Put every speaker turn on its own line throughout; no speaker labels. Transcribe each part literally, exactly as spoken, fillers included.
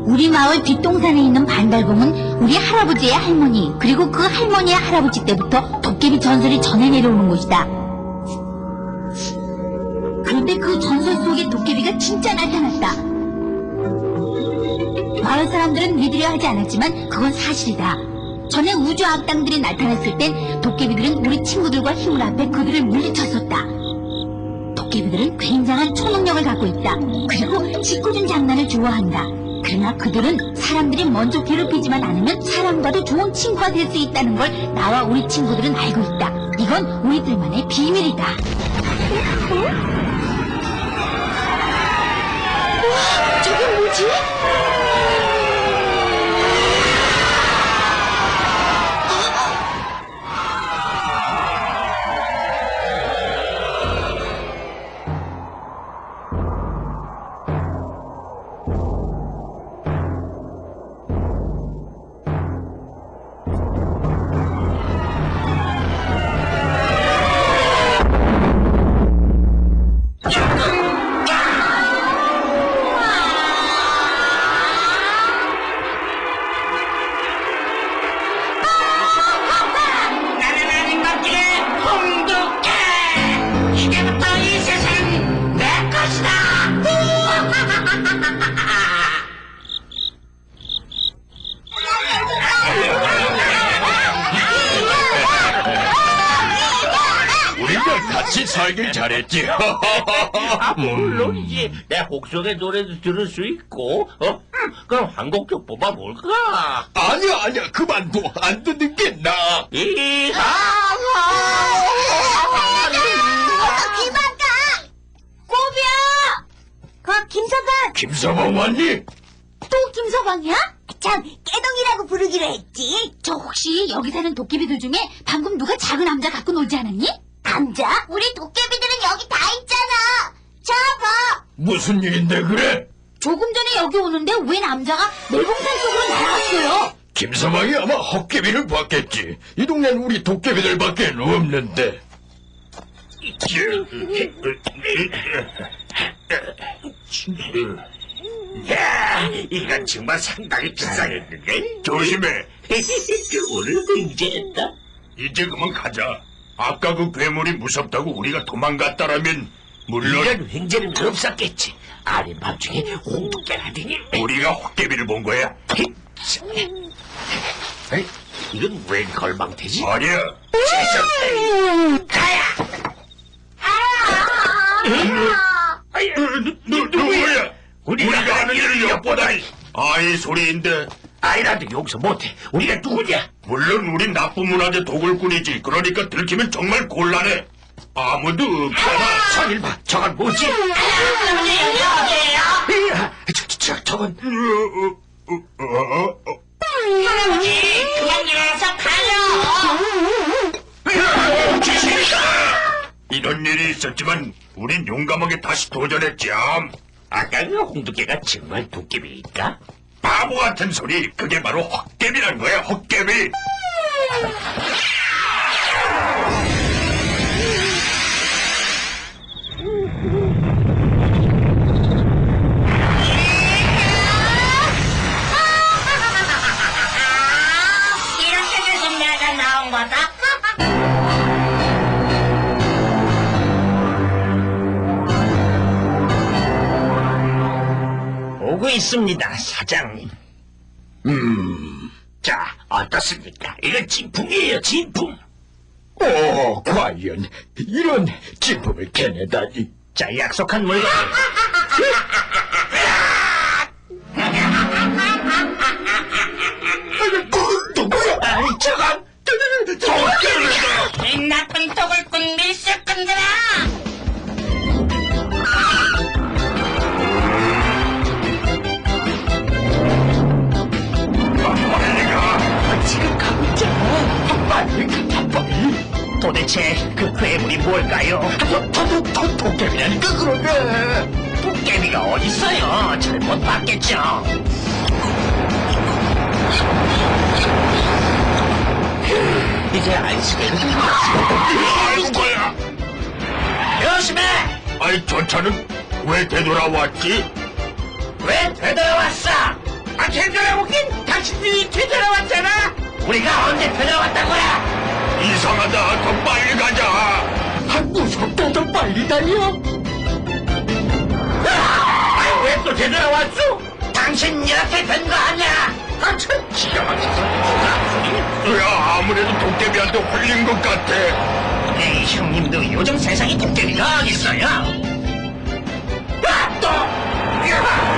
우리 마을 뒷동산에 있는 반달곰은 우리 할아버지의 할머니 그리고 그 할머니의 할아버지 때부터 도깨비 전설이 전해 내려오는 곳이다. 그런데 그 전설 속의 도깨비가 진짜 나타났다. 마을 사람들은 믿으려 하지 않았지만 그건 사실이다. 전에 우주 악당들이 나타났을 땐 도깨비들은 우리 친구들과 힘을 합해 그들을 물리쳤었다. 도깨비들은 굉장한 초능력을 갖고 있다. 그리고 짓궂은 장난을 좋아한다. 그러나 그들은 사람들이 먼저 괴롭히지만 않으면 사람과도 좋은 친구가 될 수 있다는 걸 나와 우리 친구들은 알고 있다. 이건 우리들만의 비밀이다. 우와, 저게 뭐지?
같이 살길 잘했지.
아, 물론이지. 내 혹성의 노래도 들을 수 있고. 어? 그럼 한 곡 좀 뽑아볼까?
아니야 아니야 그만둬. 안 듣는 게 나아.
이하
어서 귀만 가! 꼬비야! 그 김서방!
김서방 왔니?
또 김서방이야? 참, 깨동이라고 부르기로 했지. 저 혹시 여기 사는 도깨비들 중에 방금 누가 작은 남자 갖고 놀지 않았니? 남자? 우리 도깨비들은 여기 다 있잖아. 자, 봐.
무슨 일인데 그래?
조금 전에 여기 오는데 왜 남자가 멜봉산 쪽으로 날아갔어요?
김서방이 아마 헛개비를 봤겠지. 이 동네는 우리 도깨비들밖에 없는데.
야, 이건 정말 상당히 비싸겠는데?
조심해.
오늘 횡재했다.
이제 그만 가자. 아까 그 괴물이 무섭다고 우리가 도망갔다라면 물론
이런 횡재는 없었겠지. 아닌 밤중에 홍두깨라더니.
우리가 헛개비를 본 거야.
에이, 이건 웬 걸망태지?
아니야.
세상 가야.
아유, 누, 누구야?
우리가
우리가 하는 일을
일을
엿보다니. 아이 소리인데.
아이라도 용서 못해. 우리가 누구냐?
물론 우린 나쁜 문화재 도굴꾼이지. 그러니까 들키면 정말 곤란해. 아무도 없잖아.
선일 봐. 저건 뭐지?
여기에요.
저, 저, 저, 저건
어, 어, 어, 어.
할아버지, 그만 일어나서 가요.
귀신이다! 이런 일이 있었지만 우린 용감하게 다시 도전했지암.
아까 그 홍두깨가 정말 도깨비일까?
바보 같은 소리. 그게 바로 헛개비란 거야. 헛개비.
이렇게 돼서 내가 나온 거다.
오고 있습니다, 사장님.
음.
자, 어떻습니까? 이건 진품이에요, 진품.
오, 과연 이런 진품을 캐내다니.
자, 약속한 물건.
누구야?
아이, 저건
도깨비다.
이 나쁜 도굴꾼 밀수꾼들아.
빨리 가.
지금 가고 있잖아.
빨리 가. 빨리.
도대체 그 괴물이 뭘까요?
도, 도, 도, 도깨비라니까 그러네.
도깨비가 어딨어요? 잘못 봤겠죠? 이제 안식을
아이고 거야.
조심해!
아이 저 차는 왜 되돌아왔지?
왜 되돌아왔어? 아, 되돌아오긴 당신들이 되돌아왔잖아. 우리가 언제 되돌아왔다고야?
이상하다. 더 빨리 가자.
아, 무섭다. 더 빨리 달려.
아, 왜 또 되돌아왔어? 당신 이렇게 된 거 아니야? 아, 참 기가 막혀서.
야, 아무래도 도깨비한테 홀린 것 같아.
에이, 형님도 요즘 세상에 도깨비가 어딨어요? 아, 또! 야!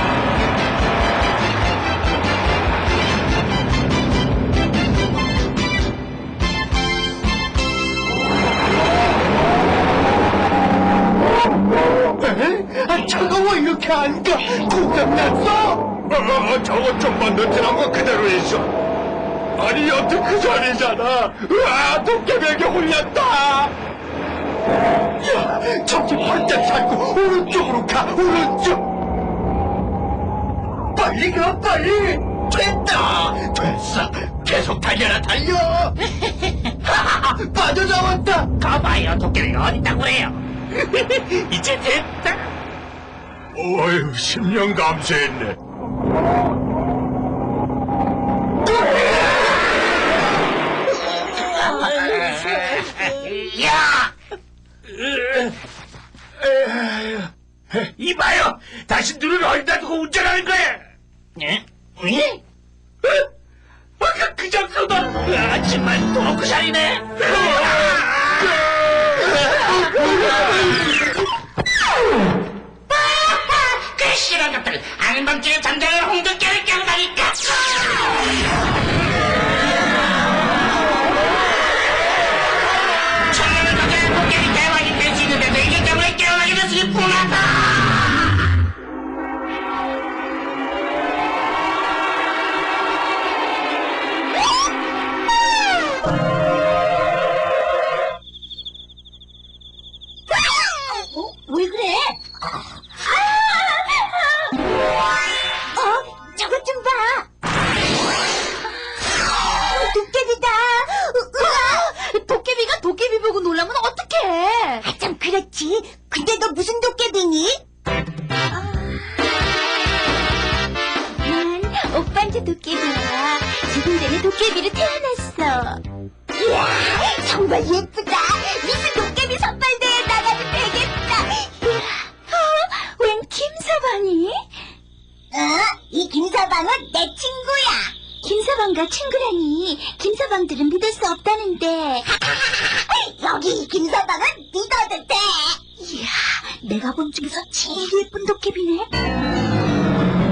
에? 아, 차가 왜 이렇게 안 가? 고장났어?
어, 저거 좀만 더 지난 거 그대로 있어. 아니, 여튼 그 자리잖아. 으아, 도깨비에게 홀렸다.
야, 정신 바짝 잡고 오른쪽으로 가, 오른쪽. 빨리 가, 빨리. 됐다. 됐어. 계속 달려라, 달려. 빠져나왔다.
가봐요, 도깨비가 어딨다고 그래요? 이제 됐다.
어휴, 십 년 감수했네.
야! 이봐요! 다시 눈을 어디다 두고 운전하는 거야! 예? 예? 아까 그 장소다! 하지만 도로크 살이네!
그 싫은 것들 안밤중에 잠자는 홍두깨를 깨우다니까. 천년을 가게 도깨비 대왕이 될 수 있는데도 이게 정말 깨어나게 돼서 기쁘다.
어? 왜 그래? 어? 저것 좀 봐. 어, 도깨비다. 으아! 도깨비가 도깨비 보고 놀라면 어떡해? 아, 참 그렇지. 근데 너 무슨 도깨비니? 난 오빠한테 도깨비야. 지금 전에 도깨비로 태어났어. 이야, 정말 예쁘다. 미스 도깨비 선발대회에 나가도 되겠다. 이야, 어? 웬 김서방이? 어? 이 김서방은 내 친구야. 김서방과 친구라니. 김서방들은 믿을 수 없다는데. 여기 이 김서방은 믿어도 돼. 이야, 내가 본 중에서 제일 예쁜 도깨비네.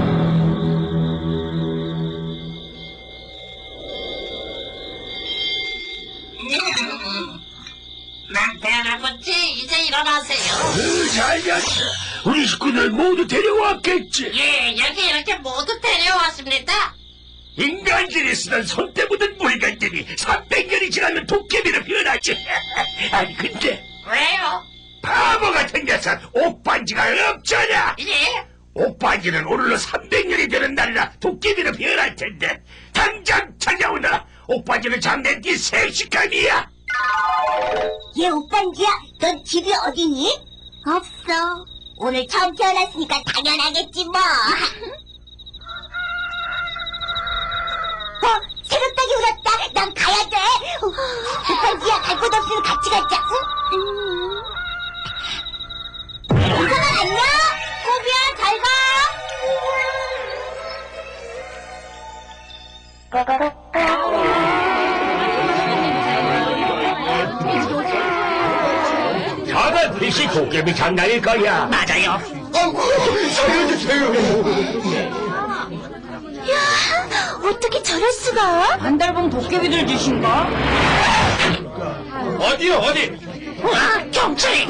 난 태어나겠지. 이제 일어나세요.
잘 잤어. 우리 식구들 모두 데려왔겠지.
예, 여기 이렇게 모두 데려왔습니다.
인간들이 쓰던 손때 묻은 물건들이 삼백 년이 지나면 도깨비로 변하지. 아니 근데
왜요?
바보 같은 녀석 옷 반지가 없잖아.
예?
옷 반지는 오늘로 삼백 년이 되는 날이라 도깨비로 변할 텐데 당장 찾아오너라. 옷 반지는 장내 네 생식감이야.
얘 오빤지야, 넌 집이 어디니? 없어. 오늘 처음 태어났으니까 당연하겠지 뭐. 어, 새벽닭이 울었다. 난 가야 돼. 어, 오빤지야, 갈 곳 없으면 같이 가자. 응? 우선아 안녕. 꼬비야, 잘 가.
저건 이 도깨비 장난일 거야.
맞아요.
아이고, 살려주세요.
야, 어떻게 저럴 수가?
반달봉 도깨비들 짓인가?
어디요, 어디?
아, 경찰이.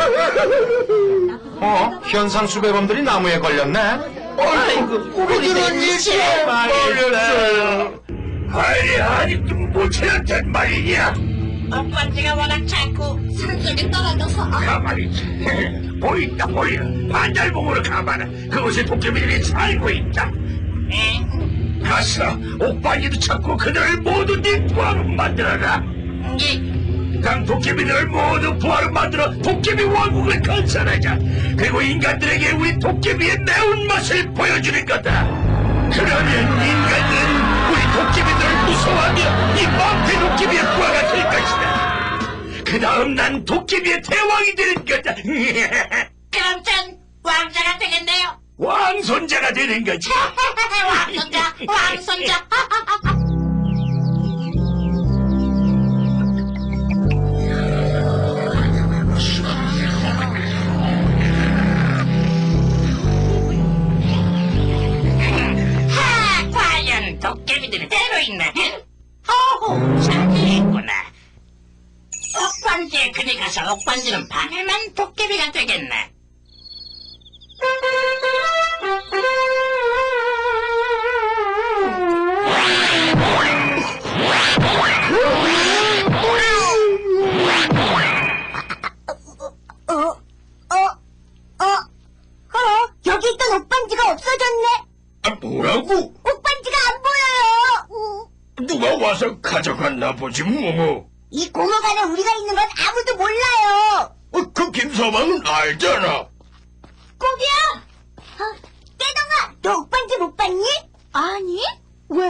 어? 현상 수배범들이 나무에 걸렸네?
아이고, 우리들은 이제
걸렸어요.
아니 아직도 못 찾았단 말이냐.
오빠지가 워낙 작고 산속에 떨어져서.
가만히 있지. 보인다 보여. 반달봉으로 가봐라. 그곳에 도깨비들이 살고 있다.
에?
가서 오빠니도 찾고 그들을 모두 네 부하로 만들어라.
예.
강 도깨비들을 모두 부하로 만들어 도깨비 왕국을 건설하자. 그리고 인간들에게 우리 도깨비의 매운맛을 보여주는 거다. 그러면 인간은 우리 도깨비들을 무서워하며 이 망태 도깨비의 부하가 될 것이다. 그 다음 난 도깨비의 대왕이 되는 거다.
그럼 전 왕자가 되겠네요.
왕손자가 되는 거지.
왕손자, 왕손자. 하, 과연 도깨비들이 때로 있나? 어호, 자기 있구나. 옥반지에 그리 가서 옥반지는 밤에만 도깨비가 되겠네.
어, 어, 어, 어, 여기 있던 옥반지가 없어졌네.
아, 뭐라고?
옥반지가 안 보여요. 음,
누가 와서 가져갔나 보지 뭐.
이 공업 안에 우리가 있는 건 아무도 몰라요.
어, 그 김서방은 알잖아.
꼬비야! 어, 깨동아, 너 옥반지 못 봤니? 아니, 왜?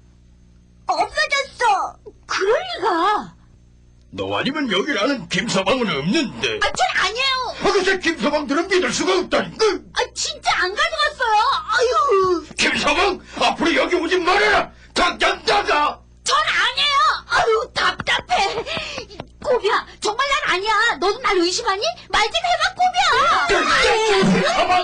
없어졌어. 그럴 리가.
너 아니면 여기라는 김서방은 없는데.
아, 전 아니에요.
아, 글쎄 김서방들은 믿을 수가 없다니까.
아, 진짜 안 가져갔어요. 아유,
김서방, 앞으로 여기 오지 말아라. 당장 나가.
전 아니에요. 아유, 답답해. 꼬비야, 정말 난 아니야. 너도 날 의심하니? 말 좀 해봐, 꼬비야.
김서방.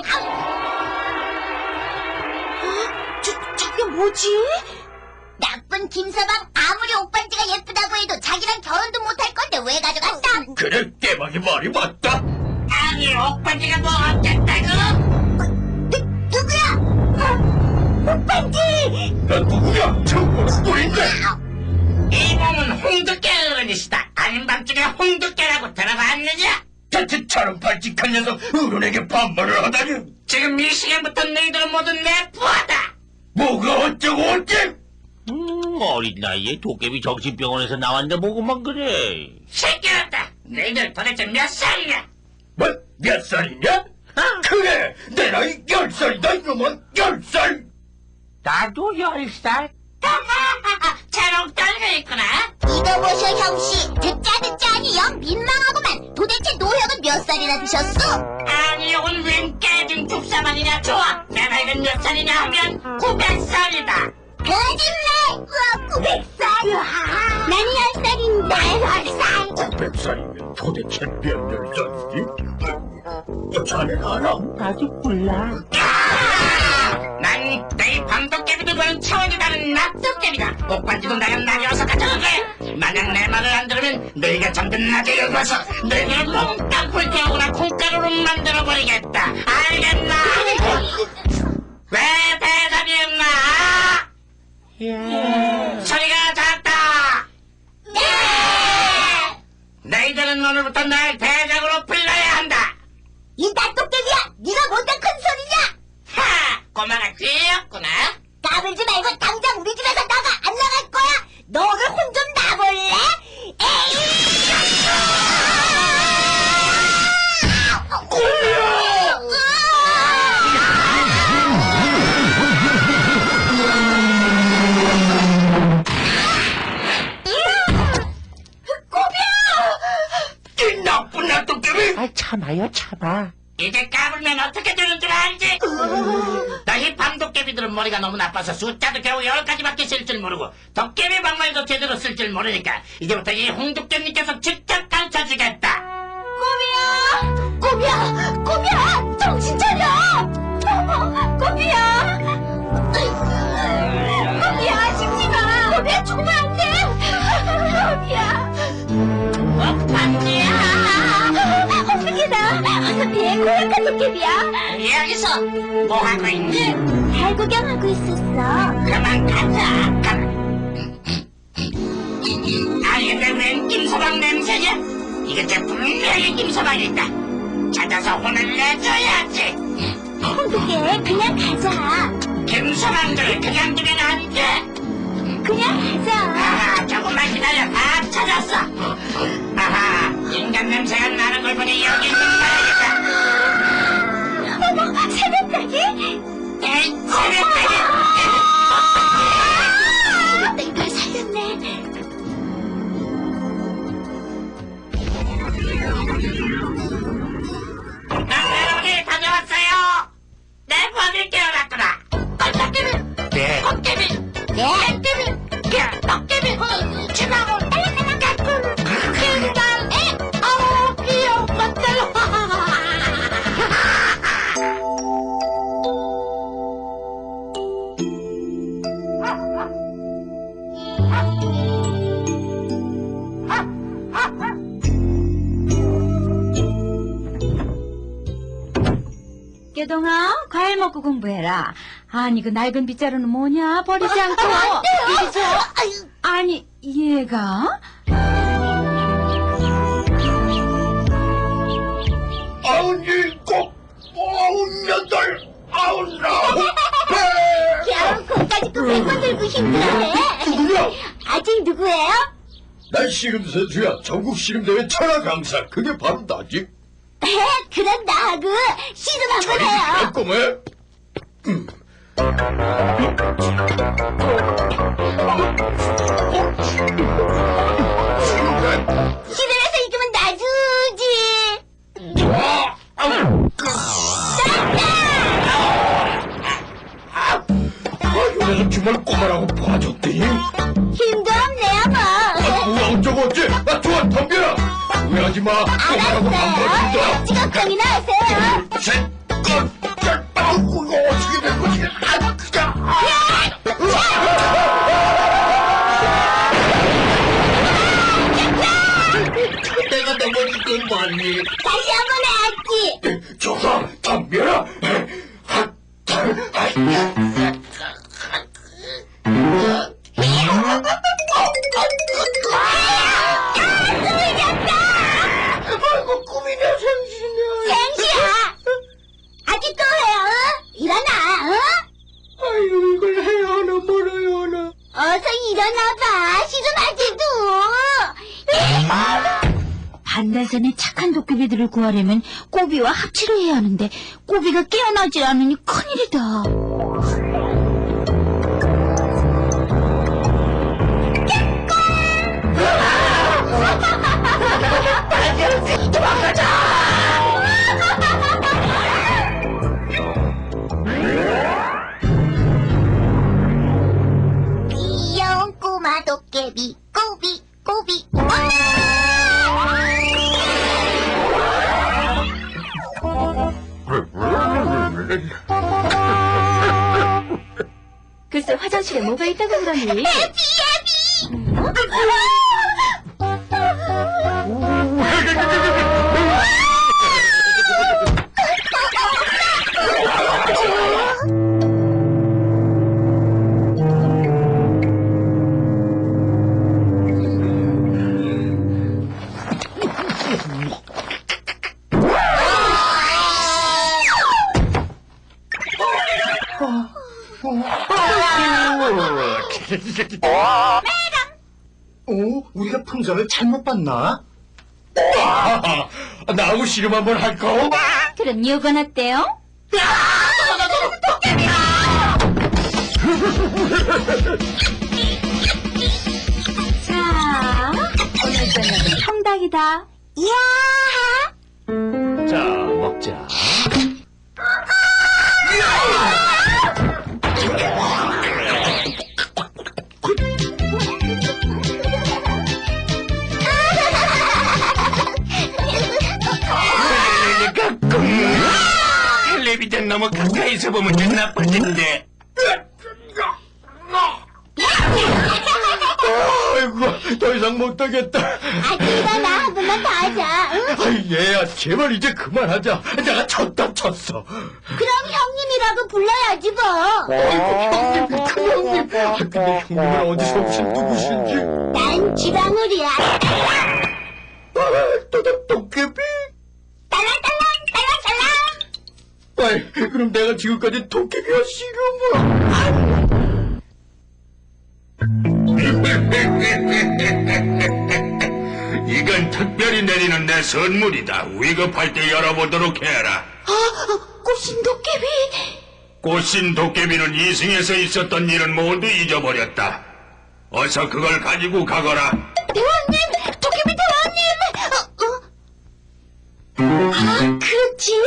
어? 저, 저게 뭐지? 나쁜 김서방, 아무리 옥반지가 예쁘다고 해도 자기랑 결혼도 못할 건데 왜 가져갔다?
그래, 깨방이 말이 맞다.
아니, 옥반지가 뭐 어쨌다고?
누, 누구야? 어, 옥반지!
너 누구야? 청구는 뿌린데.
이 몸은 홍두깨 어른이시다. 아닌 밤중에 홍두깨라고 들어봤느냐?
자칫처럼 발칙한 녀석 어른에게 반말을 하다니.
지금 이 시간부터 너희들은 모두 내 부하다.
뭐가 어쩌고 어째?
음, 어린 나이에 도깨비 정신병원에서 나왔는데 뭐고만 그래.
새끼였다. 너희들 도대체 몇 살이냐?
뭐, 몇 살이냐? 그래, 내 나이 열 살이다, 이놈은 열 살.
나도 열 살.
잘옥 떨고 있구나.
이거 보셔, 형씨. 듣자 듣자 하니 영 민망하구만. 도대체 노형은 몇 살이나 드셨어?
아니, 이건 웬 깨진 죽사만이냐? 좋아. 내 나이가 몇 살이냐 하면 구백 살이다.
거짓말! 우와, 구백 살! 나는 열 살인데. 열 살!
백 살이면 도대체 몇년 전이지? 자넨 알아?
아직 몰라.
난 너희 밤도깨비들 보는 차원이 다른 낮도깨비다. 옥반지도 나랑 나뉘어서 가져갈 거야. 만약 내 말을 안 들으면 너희가 잠든 낮에 여기 와서 너희를 몽땅 불태우거나 콩가루로 만들어버리겠다. 알겠나? 왜 대답이 없나? 소리가 작다.
네!
너희들은 오늘부터 날 대장으로 불러야 한다.
이 낮도깨비야! 네가 뭔데 큰 소리냐?
하! 꼬마가 귀엽구나.
까불지 말고 당장 우리 집에서 나가! 안 나갈 거야! 너를 혼 좀 놔볼래? 에이!
이 나쁜 놔도깨비!
아, 참아요, 참아.
이제 까불면 어떻게 되는 줄 알지? 너희 밤도깨비들은 머리가 너무 나빠서 숫자도 겨우 열 가지밖에 쓸 줄 모르고 도깨비 방말도 제대로 쓸 줄 모르니까 이제부터 이 홍두깨님께서 직접 가르쳐주겠다.
꼬비야! 꼬비야! 꼬비야! 정신 차려! 어머, 꼬비야! 꼬비야, 죽지 마! 꼬비야, 죽으면 안 돼! 꼬비야!
옥반지야!
어떻게다! 어서 피해, 고약한 도깨비야!
여기서 뭐 하고 있니?
달 구경하고 있었어.
그만 가자. 가라. 아니 근데 웬 김서방 냄새냐? 이게 분명히 김서방이다. 찾아서 혼을 내줘야지.
홍두깨, 그냥 가자.
김서방들 그냥 두면 안 돼.
그냥 가자.
아하, 조금만 기다려. 다 찾았어. 아하, 인간 냄새가 나는 걸 보니 여기 있는 거야겠다.
어머, 새벽까지?
에이, 새벽까지.
네?
도깨비, 야, 도깨비, 지나고 딸랑딸랑 킹달, 에, 아우, 귀여운 것들.
깨동아, 과일 먹고 공부해라. 아니, 그 낡은 빗자루는 뭐냐? 버리지 않고. 이리 줘. 아니, 얘가?
아흔 일곱, 아흔 여덟, 아흔 아홉, 백.
겨우 공까지 그 백 번 들고 힘들어해.
누구야?
아직 누구예요?
난 씨름 선수야. 전국 씨름대회 천하 강사. 그게 바로 나지.
그럼 나하고 시즌 한번 해요.
꼬매.
시즌에서 이기면 나 주지.
좋아. 아우. 아, 이 녀석 정말 꼬마라고 봐줬더니.
힘도 없네요 뭐.
아, 뭐야 어쩌고 어째. 아, 좋아, 덤벼라. 후회하지 마. 꼬마라고 안
알았어요.
봐준다.
직업병이나 하세요.
셋, 넷, 넷, 아우, 이거 어떻게 된 거지? 아, 그냥. 내가 넘어질 건 뭐니?
다시 한번 해야지.
좋아, 덤벼라. 아, 아, 아이고, 꿈이냐, 생시냐.
생시야. 아직도 해요. 어? 일어나. 어?
아이고, 이걸 해야 하나, 말아야 하나.
어서 일어나봐. 시즌 아직도.
반달산에 착한 도깨비들을 구하려면 꼬비와 합치를 해야 하는데 꼬비가 깨어나질 않으니 큰일이다.
귀여운 꼬마 도깨비 꼬비 꼬비.
글쎄 화장실에 뭐가 있다고 그러니?
어? 우리가 풍선을 잘못 봤나? 아, 나하고 씨름 한번 할까?
그럼 이건 어때요? 자, 오늘 저녁은 통닭이다.
이야.
자, 먹자.
텔레비전 너무 가까이서 보면 나쁠 텐데. 아이고, 더 이상 못하겠다.
아직 일어나. 한 번만 더 하자. 응?
아이, 얘야, 제발 이제 그만하자. 내가 쳤다 쳤어.
그럼 형님이라고 불러야지 뭐.
아이고, 형님, 큰 형님. 아, 근데 형님은 어디서 오신 누구신지.
난 쥐방울이야.
아, 또, 또, 도깨비?
딸랑딸랑 딸랑딸랑.
아이, 그럼 내가 지금까지 도깨비와 씨름을.
이건 특별히 내리는 내 선물이다. 위급할 때 열어보도록 해라.
아, 꽃신 도깨비.
꽃신 도깨비는 이승에서 있었던 일은 모두 잊어버렸다. 어서 그걸 가지고 가거라.
대왕님, 도깨비 대왕님. 어, 어? 아, 그렇지.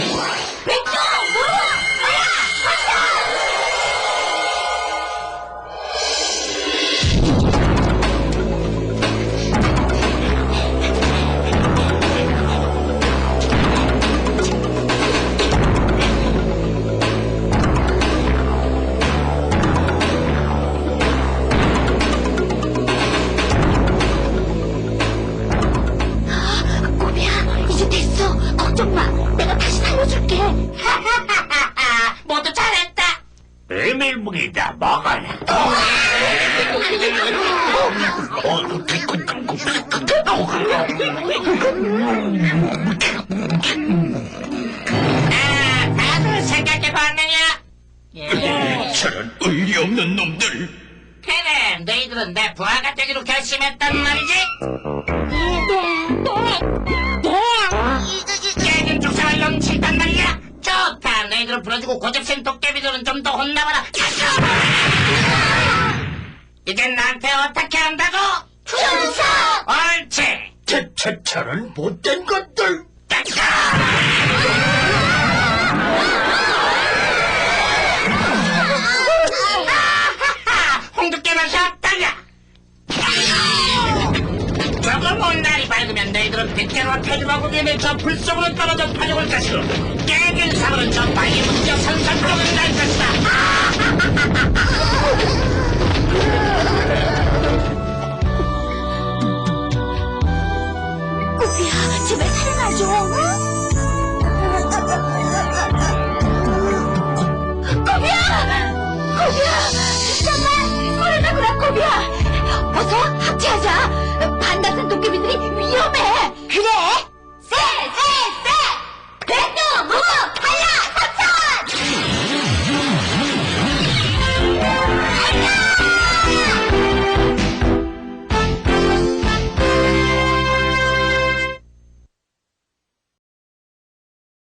백조,
멸뭉이다. 먹어라.
아, 다들 생각해봤느냐? 예.
저런 의리 없는 놈들.
그래, 너희들은 내 부하가 되기로 결심했단 말이지? 깨진 죽상을 넘친단 말이야? 좋다, 너희들을 불러주고 고집센 도깨비들은 좀 더 혼나봐라. 이젠 나한테 어떻게 한다고?
천사!
옳지!
저, 저, 저런 못된 것들.
홍두깨 맛이 없다냐? 조금 온 날이 밝으면 너희들은 빗대로 태주하고 위에 저 불속으로 떨어져 파죽을 것이고 깨진 사물은 저 바위에 묶여 산산으로 날 것이다.
꾸비야, 제발 살아나줘.